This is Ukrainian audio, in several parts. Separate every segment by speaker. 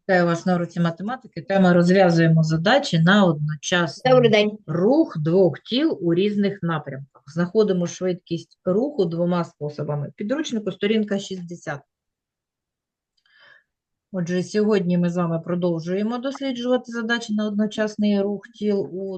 Speaker 1: Вітаю вас на уроці математики. Тема розв'язуємо задачі на
Speaker 2: Добрий
Speaker 1: одночасний
Speaker 2: день.
Speaker 1: рух двох тіл у різних напрямках. Знаходимо швидкість руху двома способами. Підручнику сторінка 60. Отже, сьогодні ми з вами продовжуємо досліджувати задачі на одночасний рух тіл у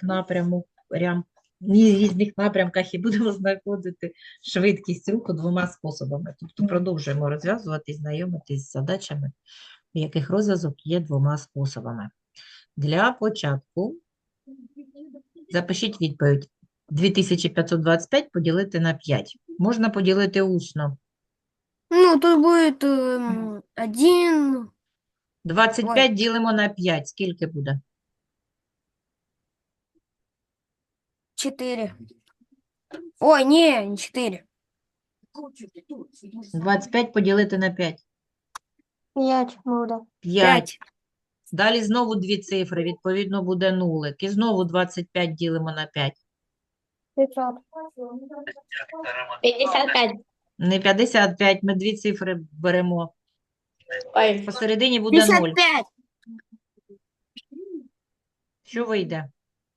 Speaker 1: різних напрямках і будемо знаходити швидкість руху двома способами. Тобто продовжуємо розв'язувати і знайомитись з задачами, в яких розв'язок є двома способами. Для початку запишіть відповідь. 2525 поділити на 5. Можна поділити усно.
Speaker 2: Ну, тут будет 1,
Speaker 1: 25 ділимо на 5. Скільки буде?
Speaker 2: 4. Ой, не 4.
Speaker 1: 25 поділити на 5.
Speaker 2: 5 буде.
Speaker 1: 5. Далі знову дві цифри, відповідно буде нулик. І знову 25 ділимо на 5.
Speaker 2: 500. 55.
Speaker 1: Не 55, ми дві цифри беремо.
Speaker 2: Ой.
Speaker 1: Посередині буде 0.
Speaker 2: 55.
Speaker 1: Що вийде?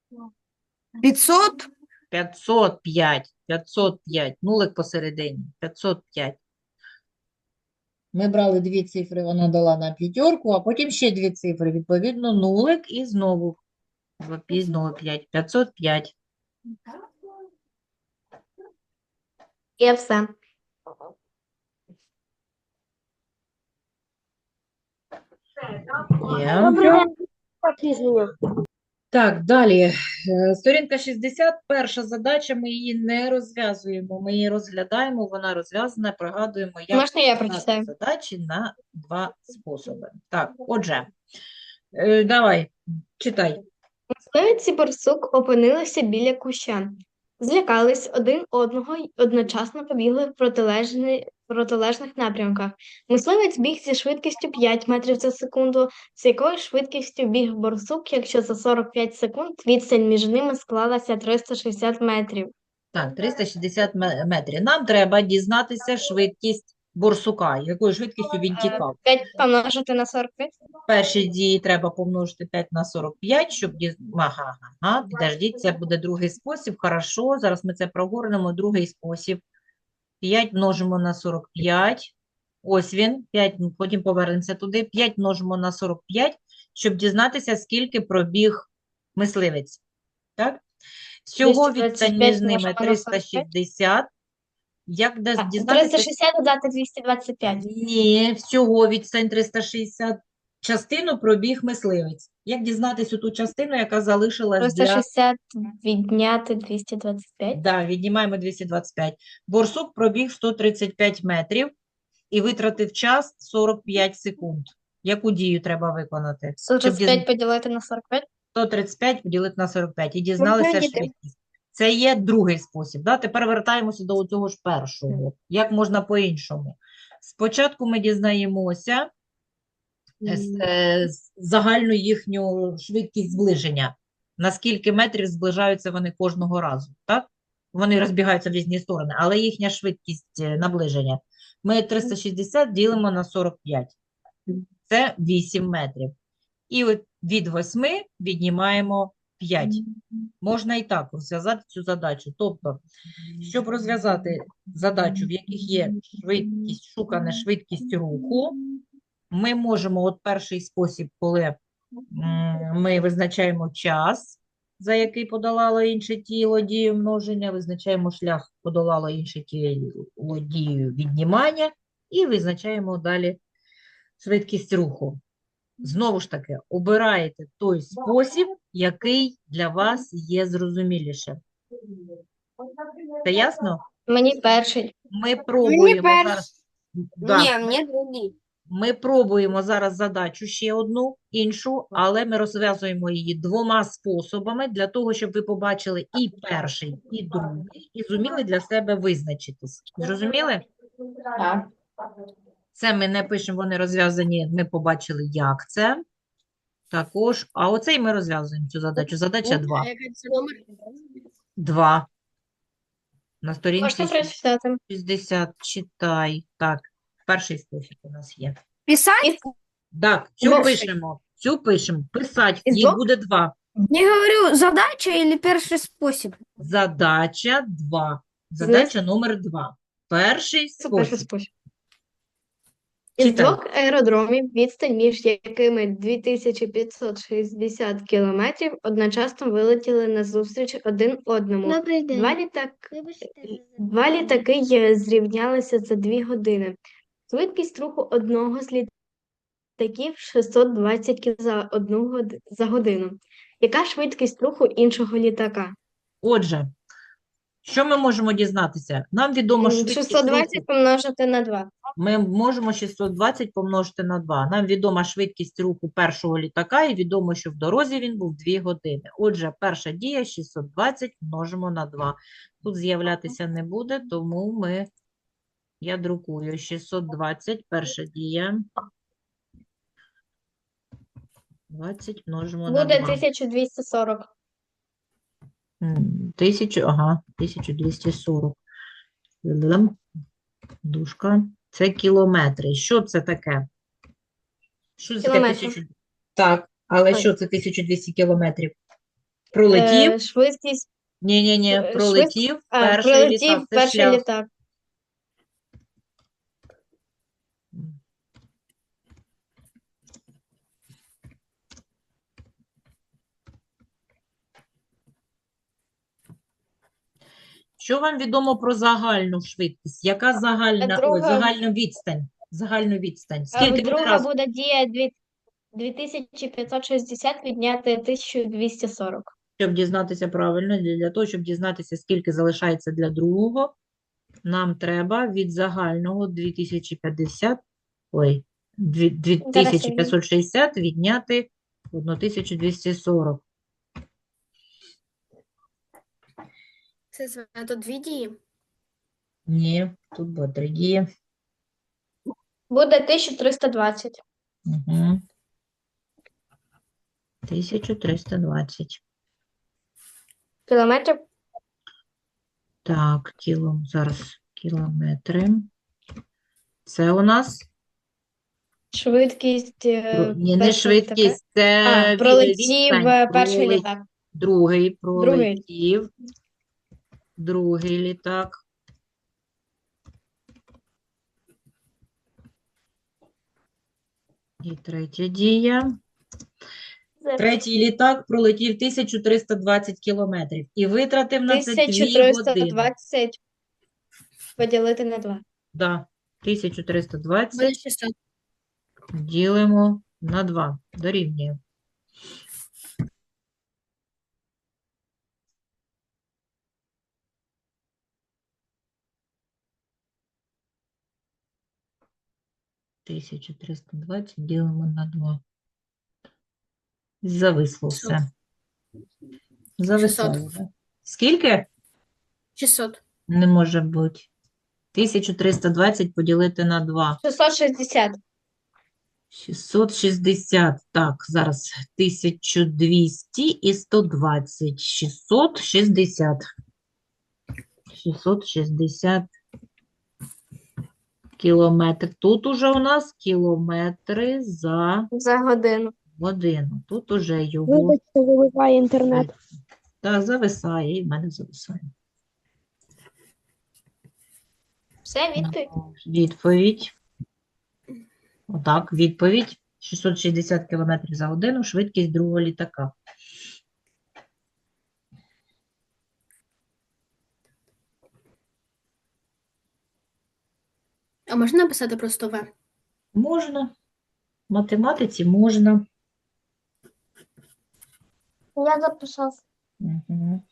Speaker 2: 500.
Speaker 1: 505. 505. Нулик посередині. 505. Ми брали дві цифри, вона дала нам п'ятерку, а потім ще дві цифри. Відповідно, нулик і знову 5. 505.
Speaker 2: І все.
Speaker 1: Є. Так, далі. Сторінка 60. Перша задача, ми її не розв'язуємо. Ми її розглядаємо, вона розв'язана, пригадуємо, як
Speaker 2: Можна я
Speaker 1: розв'язати
Speaker 2: прочитаю?
Speaker 1: задачі на два способи. Так, отже, давай, читай.
Speaker 2: Мисливець і борсук опинилися біля куща. Злякались один одного й одночасно побігли в протилежних напрямках. Мисливець біг зі швидкістю 5 метрів за секунду. З якою швидкістю біг борсук, якщо за 45 секунд відстань між ними склалася 360 метрів?
Speaker 1: Так, 360 метрів. Нам треба дізнатися швидкість борсука, якою швидкістю він тікав.
Speaker 2: 5 помножити на 45?
Speaker 1: Перші дії треба помножити 5 на 45, щоб підождіть, це буде другий спосіб. Хорошо, зараз ми це прогорнемо. Другий спосіб. 5 множимо на 45. Ось він. 5, потім повернемося туди. 5 множимо на 45, щоб дізнатися, скільки пробіг мисливець. Так? Всього відстань між
Speaker 2: 225
Speaker 1: ними
Speaker 2: множимо на 45?
Speaker 1: 360. Як дізнатися?
Speaker 2: 360 додати 225.
Speaker 1: Ні, всього відстань 360. Частину пробіг мисливець. Як дізнатися ту частину, яка залишилась для...
Speaker 2: 360 відняти 225.
Speaker 1: Да, віднімаємо 225. Борсук пробіг 135 метрів і витратив час 45 секунд. Яку дію треба виконати? Щоб
Speaker 2: 135 поділити на 45.
Speaker 1: 135 поділити на 45 і
Speaker 2: Можна
Speaker 1: дізналися
Speaker 2: діти?
Speaker 1: швидкість. Це є другий спосіб. Да? Тепер вертаємося до цього ж першого. Як можна по-іншому? Спочатку ми дізнаємося загальну їхню швидкість зближення. На скільки метрів зближаються вони кожного разу, так? Вони розбігаються в різні сторони, але їхня швидкість наближення. Ми 360 ділимо на 45. Це 8 метрів. І от від 8 віднімаємо 5. Можна і так розв'язати цю задачу. Тобто, щоб розв'язати задачу, в яких є швидкість, шукана швидкість руху, ми можемо, от перший спосіб, коли ми визначаємо час, за який подолало інше тіло дію множення, визначаємо шлях, подолало інше тіло дію віднімання, і визначаємо далі швидкість руху. Знову ж таки, обираєте той спосіб, який для вас є зрозуміліше. Це ясно?
Speaker 2: Мені перший.
Speaker 1: Ми пробуємо
Speaker 2: перший.
Speaker 1: зараз. Да.
Speaker 2: Ні, мені другий.
Speaker 1: Ми пробуємо зараз задачу ще одну, іншу, але ми розв'язуємо її двома способами для того, щоб ви побачили і перший, і другий, і зуміли для себе визначитись. Зрозуміли?
Speaker 2: Так.
Speaker 1: Це ми не пишемо, вони розв'язані, ми побачили, як це. Також, а оцей ми розв'язуємо цю задачу. Задача 2. 2. На сторінці
Speaker 2: Можна прочитати.
Speaker 1: 60. Читай. Так, перший спосіб у нас є.
Speaker 2: Писати?
Speaker 1: Так, цю пишемо. Писать,
Speaker 2: Із
Speaker 1: їх
Speaker 2: двох?
Speaker 1: буде 2.
Speaker 3: Не говорю, задача или первый спосіб?
Speaker 1: Задача 2.
Speaker 2: Знизу
Speaker 1: Задача номер 2. Перший
Speaker 2: перший
Speaker 1: спосіб.
Speaker 2: спосіб. Із
Speaker 1: Читай.
Speaker 2: двох аеродромів, відстань між якими 2560 кілометрів, одночасно вилетіли назустріч один одному.
Speaker 3: Добрий
Speaker 2: Два літаки зрівнялися за 2 години. Швидкість руху одного з літаків 620 км за годину. Яка швидкість руху іншого літака?
Speaker 1: Отже, що ми можемо дізнатися? Нам відомо швидкість
Speaker 2: 620
Speaker 1: руху.
Speaker 2: помножити на 2.
Speaker 1: Ми можемо 620 помножити на 2. Нам відома швидкість руху першого літака і відомо, що в дорозі він був 2 години. Отже, перша дія 620 множимо на 2. Тут з'являтися не буде, тому я друкую 620, перша дія. 20 множимо на
Speaker 2: Буде
Speaker 1: 2.
Speaker 2: 1240.
Speaker 1: 1240. Дужка. Це кілометри. Що це таке? Що це таке
Speaker 2: Кілометри.
Speaker 1: 1000? Так, але
Speaker 2: Ой.
Speaker 1: що це 1200 кілометрів? Пролетів?
Speaker 2: Швидкість
Speaker 1: Ні, пролетів перший
Speaker 2: прилетів
Speaker 1: літак. Це
Speaker 2: перший
Speaker 1: шлях.
Speaker 2: літак.
Speaker 1: Що вам відомо про загальну швидкість? Яка загальна відстань? Загальну відстань. Скільки буде
Speaker 2: Друга
Speaker 1: раз?
Speaker 2: буде дія 2560 відняти 1240.
Speaker 1: Щоб дізнатися правильно, для того, щоб дізнатися, скільки залишається для другого, нам треба від загального 2560 відняти 1240.
Speaker 3: Це тут 2 дії.
Speaker 1: Ні, тут буде 3 дії.
Speaker 2: Буде 1320.
Speaker 1: Угу. 1320.
Speaker 2: Кілометрів.
Speaker 1: Так, зараз кілометри. Це у нас
Speaker 2: Швидкість
Speaker 1: ні, не
Speaker 2: першого
Speaker 1: швидкість, це
Speaker 2: літака. Пролетів
Speaker 1: відстань.
Speaker 2: перший літак.
Speaker 1: Другий
Speaker 2: Другий.
Speaker 1: пролетів. Другий літак. І третя дія. Третій літак пролетів 1320 кілометрів і витратив на це 2 години.
Speaker 2: 1320 поділити на 2.
Speaker 1: Да, 1320
Speaker 3: Буде 600.
Speaker 1: ділимо на 2. Дорівнює. Тисячу 320 ділимо на 2. Зависло все. Зависло.
Speaker 3: 600.
Speaker 1: Да? Скільки?
Speaker 3: 600.
Speaker 1: Не може бути. 1320 поділити на 2.
Speaker 2: 660.
Speaker 1: 660. Так, зараз 1200 і 120. 660. 660 кілометрів. Тут уже у нас кілометри за
Speaker 2: За годину.
Speaker 1: годину. Тут уже його.
Speaker 4: Вибачте, вибиває інтернет.
Speaker 1: Так, зависає, і в мене зависає.
Speaker 2: Все, відповідь.
Speaker 1: Відповідь. Отак, відповідь. 660 км за годину, швидкість другого літака.
Speaker 3: А можна написати просто В?
Speaker 1: Можна. В математиці можна.
Speaker 2: Я записав.
Speaker 1: Угу.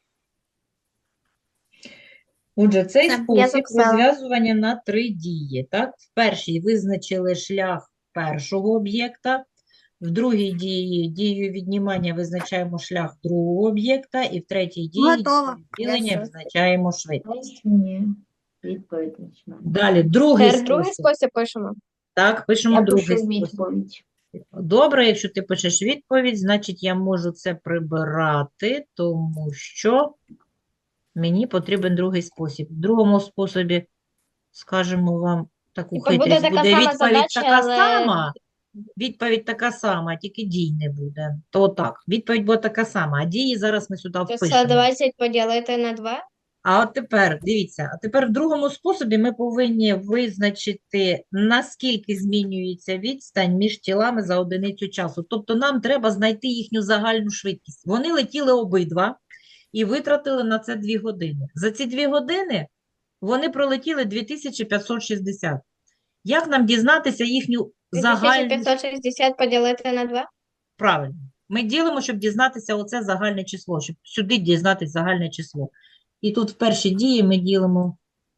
Speaker 1: Отже, цей
Speaker 3: Все, я
Speaker 1: спосіб
Speaker 2: записала.
Speaker 1: розв'язування на 3 дії. Так? В першій визначили шлях першого об'єкта, в другій дією віднімання визначаємо шлях другого об'єкта, і в третій дії
Speaker 3: Готово.
Speaker 1: ділення
Speaker 3: Я
Speaker 1: визначаємо швидкість.
Speaker 5: Ні, відповідь почнемо.
Speaker 1: Далі, другий
Speaker 2: Тепер другий
Speaker 1: спосіб.
Speaker 2: спосіб пишемо.
Speaker 1: Так, пишемо
Speaker 5: Я
Speaker 1: другий
Speaker 5: пишу
Speaker 1: спосіб.
Speaker 5: відповідь.
Speaker 1: Добре, якщо ти пишеш відповідь, значить я можу це прибирати, тому що мені потрібен другий спосіб. В другому способі, скажемо вам таку
Speaker 2: Типу, буде
Speaker 1: хитрість,
Speaker 2: така
Speaker 1: буде
Speaker 2: сама
Speaker 1: відповідь
Speaker 2: задача,
Speaker 1: така
Speaker 2: але-
Speaker 1: сама, Відповідь така сама, тільки дій не буде. То так, відповідь буде така сама, а дії зараз ми сюди впишемо.
Speaker 2: 620 поділити на 2.
Speaker 1: А от тепер, дивіться, а тепер в другому способі ми повинні визначити, наскільки змінюється відстань між тілами за одиницю часу. Тобто нам треба знайти їхню загальну швидкість. Вони летіли обидва і витратили на це 2 години. За ці 2 години вони пролетіли 2560. Як нам дізнатися їхню загальну
Speaker 2: 2560 поділити на 2.
Speaker 1: Правильно. Ми ділимо, щоб дізнатися оце загальне число, щоб сюди дізнатися загальне число. І тут в першій дії ми ділимо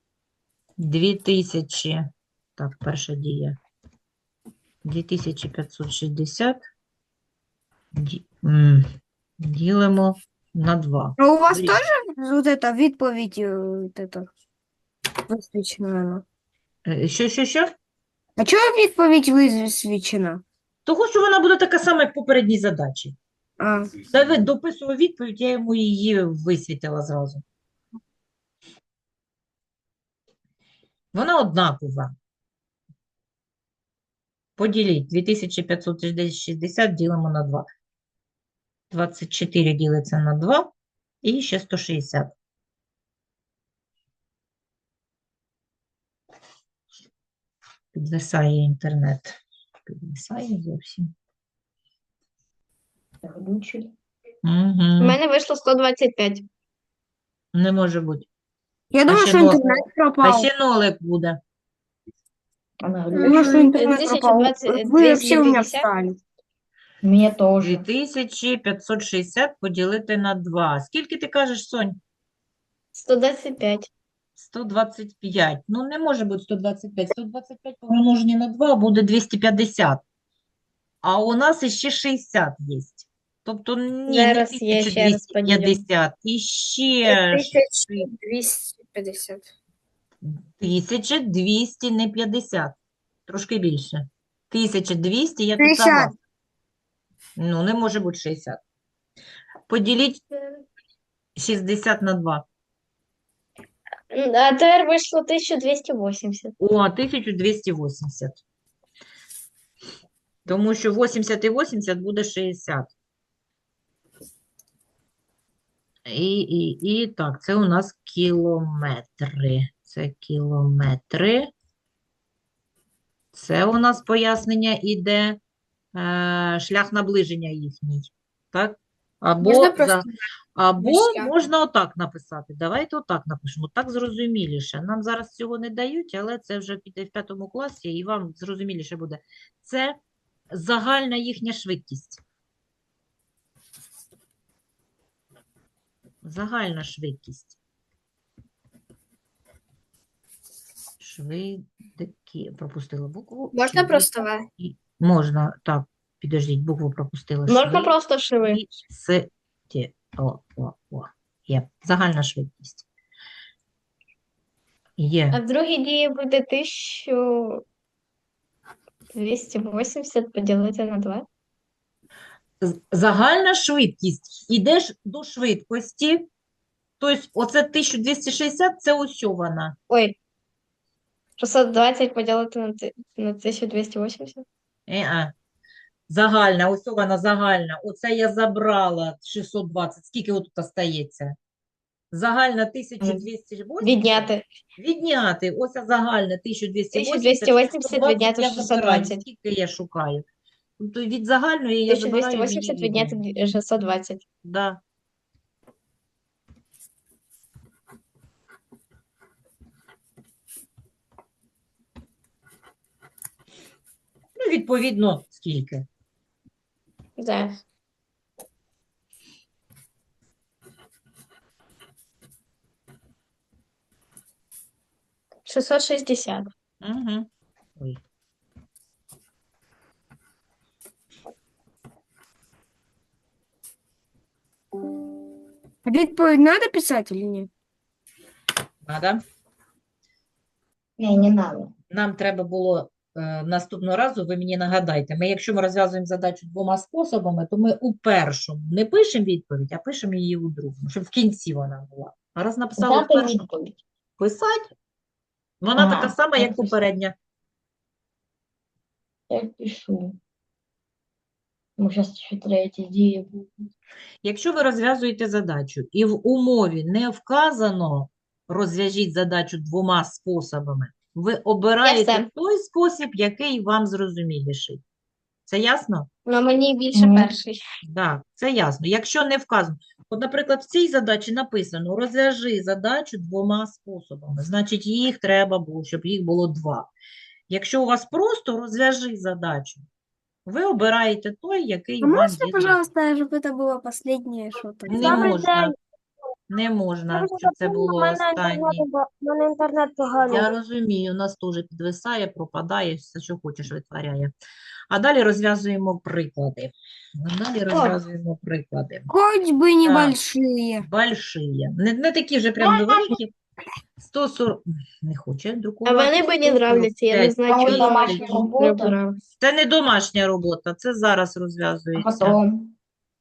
Speaker 1: 2000. Так, перша дія. 2560 ділимо на 2.
Speaker 3: А у вас
Speaker 1: Блін.
Speaker 3: теж вот это відповідь вот это висвічена?
Speaker 1: Що?
Speaker 3: А чого відповідь висвічена?
Speaker 1: Того, що вона буде така сама, як в попередній задачі.
Speaker 3: А,
Speaker 1: Давид дописував відповідь, я йому її висвітила зразу. Вона однакова. Поділіть 2560 ділимо на 2. 24 ділиться на 2 і ще 160. Підвисає інтернет. Підвисає зовсім.
Speaker 5: Глючить.
Speaker 2: У
Speaker 1: Угу.
Speaker 2: мене вийшло 125.
Speaker 1: Не може бути.
Speaker 3: я думаю,
Speaker 1: ще
Speaker 3: що
Speaker 1: нолик.
Speaker 3: інтернет
Speaker 1: А
Speaker 3: пропав.
Speaker 1: ще нолик буде.
Speaker 5: Она
Speaker 3: Я
Speaker 5: глючит.
Speaker 3: думаю, що інтернет пропав.
Speaker 2: 1020,
Speaker 3: Ви всі у мене
Speaker 2: 250.
Speaker 3: встали.
Speaker 5: Мне тоже.
Speaker 1: 2560 поділити на 2. Скільки ти кажеш, Сонь?
Speaker 2: 125.
Speaker 1: 125. Ну, не може бути 125. 125 помножені на 2 буде 250. А у нас іще 60 є. Тобто, ні, не
Speaker 2: Зараз я ще раз поділю.
Speaker 1: 1250. Іще
Speaker 3: 1250.
Speaker 1: 1200, не 50. Трошки більше. 1200, я тут
Speaker 3: 60.
Speaker 1: согласна. Ну, не може бути 60. Поділіть 60 на 2.
Speaker 2: А тепер вийшло 1280.
Speaker 1: О, 1280. Тому що 80 і 80 буде 60. І так, це у нас кілометри. Це кілометри. Це у нас пояснення іде шлях наближення їхній. Так? Або,
Speaker 3: Можна просто
Speaker 1: або
Speaker 3: шлях?
Speaker 1: можна отак написати. Давайте отак напишемо. Так зрозуміліше. Нам зараз цього не дають, але це вже піде в 5 класі, і вам зрозуміліше буде. Це загальна їхня швидкість. Загальна швидкість. Швидкі. Пропустила букву.
Speaker 3: Можна просто В?
Speaker 1: Можна. Так, підождіть, букву пропустила.
Speaker 2: Можна просто шиви.
Speaker 1: Швидкість. О. Є. Загальна швидкість.
Speaker 2: А
Speaker 1: Є.
Speaker 2: в другій дії буде 1280 поділити на 2.
Speaker 1: Загальна швидкість. Ідеш до швидкості. Тобто, оце 1260, це ось вона.
Speaker 2: Ой. 620 поділити на 1280.
Speaker 1: Загальна, ось вона загальна. Оце я забрала 620. Скільки отут остається? Загальна 1280.
Speaker 2: Відняти.
Speaker 1: Відняти. Ось загальна 1280.
Speaker 2: 1280 відняти
Speaker 1: я забираю.
Speaker 2: 620.
Speaker 1: Скільки я шукаю? Тобто від загальної я забираю, мені
Speaker 2: 1280
Speaker 1: відняти.
Speaker 2: відняти 620.
Speaker 1: Да. Ну, відповідно, скільки?
Speaker 2: Зараз. – 660.
Speaker 1: Угу. Ой.
Speaker 3: Відповідь надо писати чи ні?
Speaker 1: Надо.
Speaker 5: Не надо.
Speaker 1: Нам треба було наступного разу, ви мені нагадайте, якщо ми розв'язуємо задачу 2 способами, то ми у першому не пишемо відповідь, а пишемо її у другому, щоб в кінці вона була. А раз написали в
Speaker 5: Дати
Speaker 1: першому,
Speaker 5: відповідь.
Speaker 1: писати. Вона
Speaker 5: Ага,
Speaker 1: така сама, як
Speaker 5: написано.
Speaker 1: попередня.
Speaker 5: Я пишу. Ну, сейчас еще третья идея будет.
Speaker 1: Якщо ви розв'язуєте задачу і в умові не вказано розв'яжіть задачу двома способами, ви обираєте
Speaker 2: все.
Speaker 1: той спосіб, який вам зрозуміліший. Це ясно?
Speaker 2: Ну, мені більше
Speaker 5: Мгм.
Speaker 2: перший.
Speaker 1: Так, це ясно. Якщо не вказано, от, наприклад, в цій задачі написано розв'яжи задачу двома способами, значить їх треба було, щоб їх було два. Якщо у вас просто розв'яжи задачу, ви обираєте той, який
Speaker 3: А
Speaker 1: вам
Speaker 3: можно,
Speaker 1: є
Speaker 3: пожалуйста, чтобы это было последнее что-то?
Speaker 1: Не можна. Не можна, щоб це було останнє.
Speaker 4: У мене інтернет поганий.
Speaker 1: Я розумію, у нас теж підвисає, пропадає, все, що хочеш, витворяє. А далі розв'язуємо приклади.
Speaker 3: Хоть бы небольшие.
Speaker 1: Большие. Не такі вже прям великі. 140. Не хоче
Speaker 2: А
Speaker 1: друкувати.
Speaker 2: вони мені нравляться, я не
Speaker 1: 145
Speaker 2: знаю,
Speaker 5: А
Speaker 2: чого
Speaker 5: от
Speaker 2: вони
Speaker 5: домашня
Speaker 2: мені
Speaker 5: робота?
Speaker 2: прибирались.
Speaker 1: Це не домашня робота, це зараз
Speaker 5: А
Speaker 1: розв'язується.
Speaker 5: потом,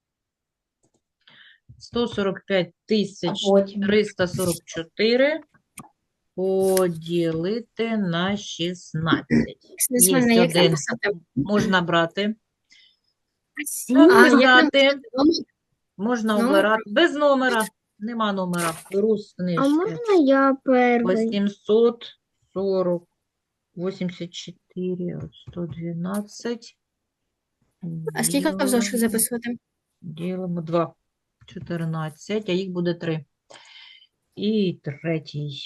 Speaker 1: 145 тисяч
Speaker 5: а потім.
Speaker 1: 344 поділити на 16. Є
Speaker 3: Як
Speaker 1: один.
Speaker 3: написати?
Speaker 1: Можна брати.
Speaker 3: А, як
Speaker 1: Писати. Можна
Speaker 3: Номер?
Speaker 1: обирати. Без номера. Нема номера. Беру з книжки.
Speaker 3: я первый?
Speaker 1: 840, 84, 112.
Speaker 3: А скільки в зошит
Speaker 1: Ділимо-
Speaker 3: записувати?
Speaker 1: Ділимо 2. 14, а їх буде 3. І третій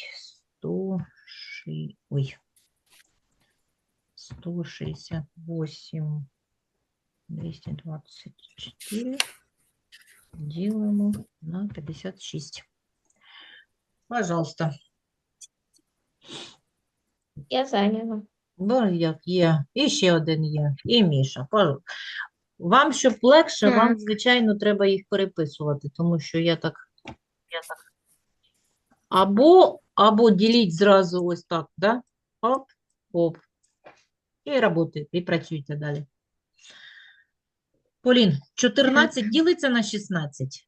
Speaker 1: 168, 224 ділимо на 56. Пожалуйста.
Speaker 2: Я зайняла.
Speaker 1: Бо як є. І ще один є. І Міша. Вам, щоб легше, вам, звичайно, треба їх переписувати, тому що я так. Або діліть зразу ось так, да? Оп, оп. І работайте, і працюйте далі. Полін, 14 ділиться на 16?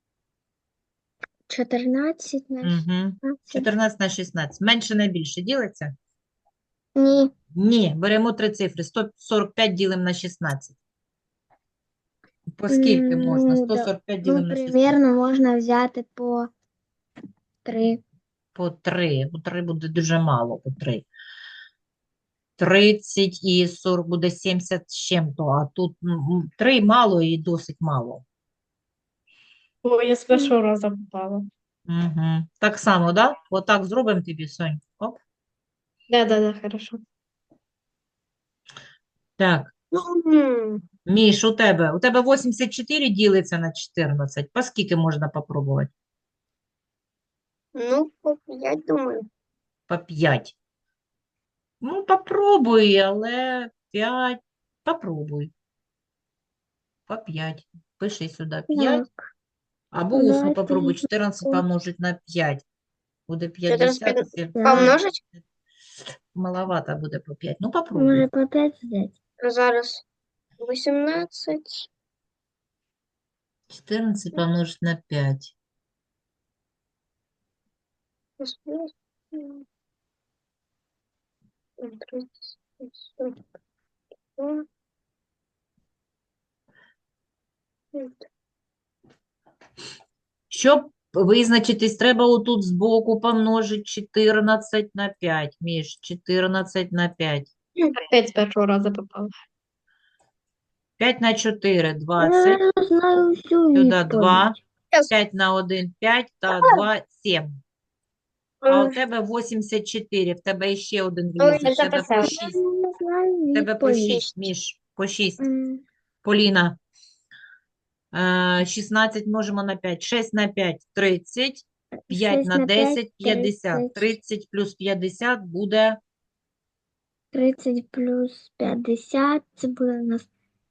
Speaker 3: 14 на
Speaker 1: Угу. 14 на 16. Менше на більше ділиться?
Speaker 3: Ні.
Speaker 1: Ні, беремо три цифри. 145 ділимо на 16. По скільки можна? 145 ділимо на 16.
Speaker 3: можна взяти по 3.
Speaker 1: По 3. По 3 буде дуже мало, по 3. 30 і 40 буде 70 з чим-то, а тут 3 мало і досить мало.
Speaker 2: Ой, я з першого разу попала.
Speaker 1: Угу. Так само, да? Отак зробимо тобі, Сонь. Оп.
Speaker 2: Да, хорошо.
Speaker 1: Так, Міш, у тебе 84 ділиться на 14. По скільки можна попробувати?
Speaker 3: Ну, по 5, думаю.
Speaker 1: По 5. Ну, попробуй, але 5. Попробуй. По 5. Пиши сюди 5. Або усно
Speaker 3: Давайте
Speaker 1: попробуй. 14 помножить на 5. Буде 50. Якщо
Speaker 3: Помножить?
Speaker 1: маловато буде по 5. Ну, попробуй.
Speaker 3: по 5 взяти. Зараз 18.
Speaker 1: 14 помножить на 5. Щоб визначитись, треба отут збоку помножити 14 на 5. Між 14 на 5.
Speaker 2: Опять з першого разу попала.
Speaker 1: 5 на 4 – 20.
Speaker 3: Я знаю всю
Speaker 1: Сюди 2. 5 на 1 – 5 та 2 – 7. А у тебе 84. В тебе ще один влізе.
Speaker 2: я
Speaker 1: В тебе по
Speaker 2: записала.
Speaker 1: 6. В тебе по 6, Міш. По 6. Поліна. 16 множимо на 5. 6 на 5 – 30. 5
Speaker 3: 6
Speaker 1: на
Speaker 3: на 5
Speaker 1: 10 – 50. 30 плюс 50 буде
Speaker 3: 30 плюс 50, це буде у нас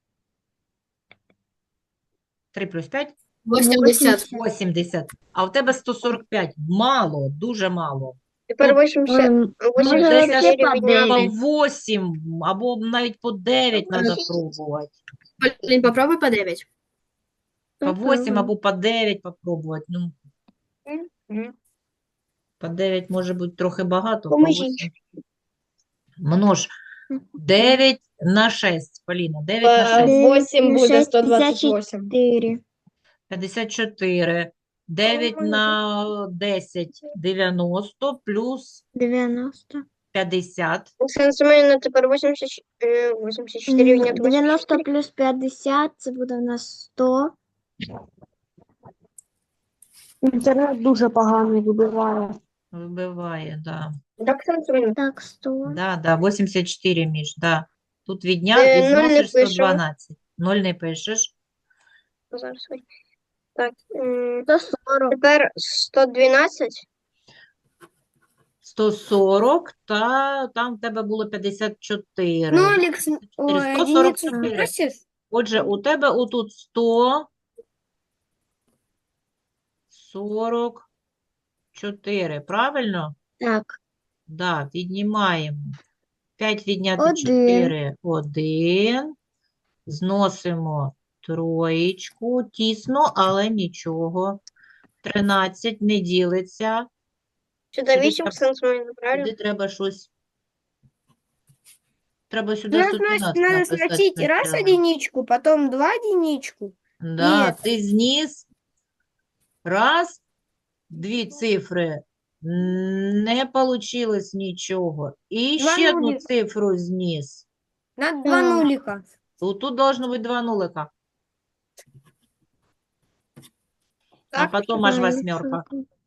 Speaker 1: 3 плюс 5 –
Speaker 3: 80.
Speaker 1: 80. А у тебе 145. Мало, дуже мало.
Speaker 2: Тепер 80.
Speaker 3: Може,
Speaker 1: Десь
Speaker 3: вообще
Speaker 1: аж
Speaker 3: по 9.
Speaker 1: по 8 або навіть по 9 треба пробувати.
Speaker 3: Блін, попробуй по 9.
Speaker 1: По 8 або по 9 попробувати. Ну, по 9 може бути трохи багато, по
Speaker 2: Поможіть.
Speaker 1: 8. Множ 9 на 6, Поліна, 9 на 6.
Speaker 2: 8 буде
Speaker 3: 6,
Speaker 2: 128.
Speaker 3: 4.
Speaker 1: 54. 9 на 10, 90, плюс
Speaker 3: 90.
Speaker 1: 50.
Speaker 4: Оксана Семенівна, тепер 84 відняти
Speaker 3: 90 плюс 50, це буде в нас 100.
Speaker 5: Інтернет дуже поганий вибиває.
Speaker 1: Вибиває, да.
Speaker 4: Так, Оксана Семенівна.
Speaker 3: Так, 100.
Speaker 1: Да, 84, Міш, да. Тут
Speaker 4: Нуль не
Speaker 1: відносиш
Speaker 4: пишемо.
Speaker 1: 112. 0 не пишеш.
Speaker 4: Зараз. Ой. Так,
Speaker 3: 140.
Speaker 4: тепер 112.
Speaker 1: 140, та там в тебе було 54.
Speaker 3: Ну, Алекс, ой,
Speaker 1: 144.
Speaker 3: единицу сбросишь?
Speaker 1: Отже, у тебе отут 144, правильно?
Speaker 3: Так,
Speaker 1: Да, віднімаємо. 5 відняти
Speaker 3: Один.
Speaker 1: 4, 1. Зносимо троєчку. Тісно, але нічого. 13 не ділиться.
Speaker 4: Сюди
Speaker 1: Сюди
Speaker 4: 8,
Speaker 1: треба-
Speaker 4: Оксана Семенівна, правильно?
Speaker 1: Сюди треба щось. Треба
Speaker 3: у
Speaker 1: сюди
Speaker 3: нас
Speaker 1: 112
Speaker 3: надо
Speaker 1: написати
Speaker 3: схватить раз
Speaker 1: спочатку.
Speaker 3: единичку, потом 2 единичку.
Speaker 1: Да,
Speaker 3: Ні.
Speaker 1: ти зніс. Раз, дві цифри. Не получилось нічого. І
Speaker 3: Два
Speaker 1: ще одну
Speaker 3: нулика.
Speaker 1: цифру зніс.
Speaker 3: Надо 2 нулика.
Speaker 1: Тут должно бути 2 нулика. А
Speaker 4: Так,
Speaker 1: потім аж восьмерка.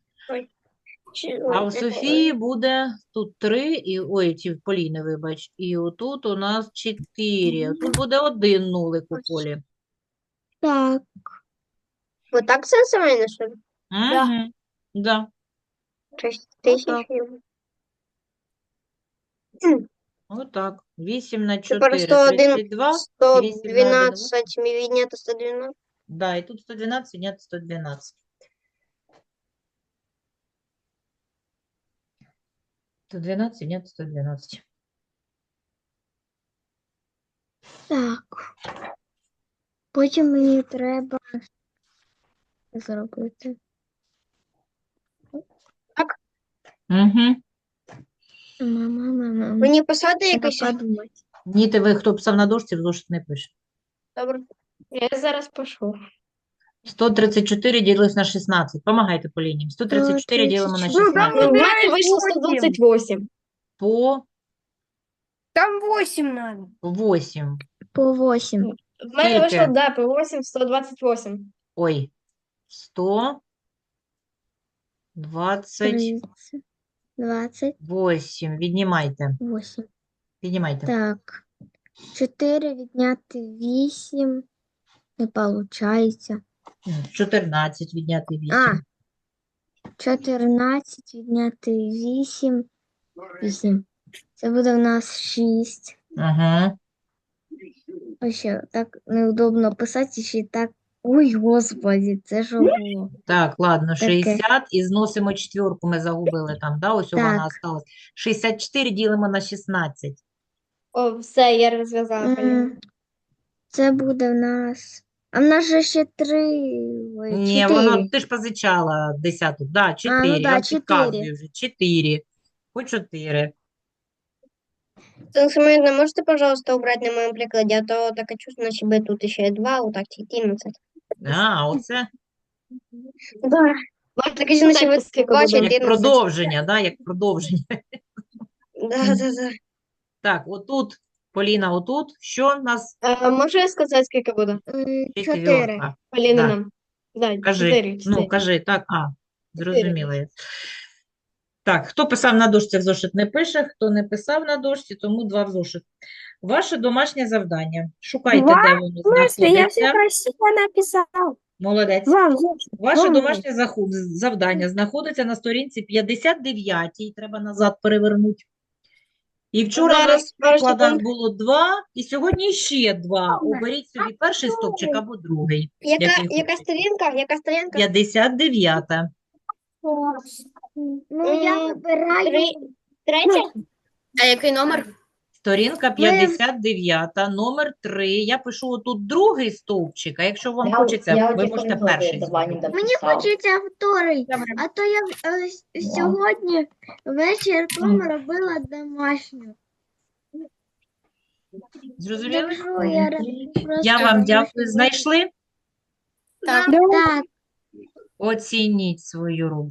Speaker 1: А у Софії буде тут 3, і, ой, ці в Поліни, вибач. І отут у нас 4. Тут буде 1 нулик у Полі.
Speaker 3: Так,
Speaker 4: Вот так, Оксана Семенівна, що ли?
Speaker 1: Угу. Да.
Speaker 4: 6
Speaker 1: Отак.
Speaker 4: тисяч.
Speaker 1: Отак. 8 на
Speaker 4: Тепер
Speaker 1: 4,
Speaker 4: 101,
Speaker 1: 32.
Speaker 4: 112 відняти 112.
Speaker 1: Да, і тут 112 відняти 112. 112 відняти 112.
Speaker 3: так. Потім мені треба зробити.
Speaker 1: Угу.
Speaker 3: Мама.
Speaker 4: Мені писати
Speaker 3: Треба
Speaker 4: якось?
Speaker 3: подумати.
Speaker 1: Ні, ви, хто писав на дошці, в зошит не пише.
Speaker 4: Добре.
Speaker 2: Я зараз пишу.
Speaker 1: 134 ділилось на 16. Помагайте Поліні. 134 ділимо на 16.
Speaker 2: У мене вийшло 128.
Speaker 1: По
Speaker 3: Там 8 надо.
Speaker 1: 8.
Speaker 3: По 8.
Speaker 2: В мене вийшло,
Speaker 1: Скільки?
Speaker 2: да, по 8, 128.
Speaker 1: Ой. 128.
Speaker 3: 28.
Speaker 1: Віднімайте. Піднімайте.
Speaker 3: Так. 4 відняти 8. Не виходить.
Speaker 1: 14 відняти 8.
Speaker 3: А. 14 відняти 8. 8. Це буде в нас 6.
Speaker 1: Ага.
Speaker 3: Ось так неудобно писати, ще й так. Ой, господи, це що було?
Speaker 1: Так, ладно,
Speaker 3: Таке.
Speaker 1: 60 і зносимо четвірку, ми загубили там, да? Ось вона
Speaker 3: Так.
Speaker 1: осталась. 64 ділимо на 16.
Speaker 2: О, все, я розв'язала. Поліна.
Speaker 3: Це буде в нас. А в нас же ще 3. Ой,
Speaker 1: Ні,
Speaker 3: 4.
Speaker 1: вона, ти ж позичала десяту. Да, 4.
Speaker 3: ну да,
Speaker 1: Я
Speaker 3: 4.
Speaker 1: підказую вже. 4. По 4.
Speaker 4: Оксана Семенівна, можете, пожалуйста, убрать на моем прикладе, а то таке чувство, наче би тут ще 2, вот так 14.
Speaker 1: А, оце
Speaker 4: Да. Можете, кажу, наче ви
Speaker 2: скільки
Speaker 4: 2,
Speaker 2: буде?
Speaker 4: 14.
Speaker 1: як продовження, да, як продовження.
Speaker 4: Да.
Speaker 1: Так, отут, Поліна, отут, що в нас?
Speaker 2: Можу я сказати, скільки буде?
Speaker 3: 4.
Speaker 1: Четвірка.
Speaker 2: Поліна
Speaker 1: Да.
Speaker 2: нам. Да,
Speaker 1: Кажи.
Speaker 2: 4.
Speaker 1: Ну, кажи, так, зрозуміла я. Так, хто писав на дошці, в зошит не пише, хто не писав на дошці, тому 2 в зошит. Ваше домашнє завдання. Шукайте,
Speaker 3: Два?
Speaker 1: де воно
Speaker 3: Я все
Speaker 1: знаходиться.
Speaker 3: красиво написал.
Speaker 1: Молодець.
Speaker 3: Вам,
Speaker 1: Ваше
Speaker 3: Вам.
Speaker 1: домашнє завдання знаходиться на сторінці 59, треба назад перевернути. І вчора у
Speaker 4: Зараз,
Speaker 1: нас в
Speaker 4: пару
Speaker 1: прикладах
Speaker 4: секунд.
Speaker 1: було 2, і сьогодні ще 2. Оберіть собі перший стовпчик або другий.
Speaker 4: Яка
Speaker 1: який хочете.
Speaker 4: сторінка? Яка сторінка?
Speaker 1: 59.
Speaker 3: Ну, я вибираю.
Speaker 4: Третя?
Speaker 2: А який номер?
Speaker 1: Сторінка 59, номер 3. Я пишу отут другий стовпчик, а якщо вам хочеться, ви можете перший зробити.
Speaker 3: Мені хочеться вторий, а то я сьогодні ввечері робила домашню.
Speaker 1: Зрозуміли?
Speaker 3: Добре, я просто
Speaker 1: Я вам дякую. Знайшли?
Speaker 3: Так.
Speaker 1: Оцініть свою роботу.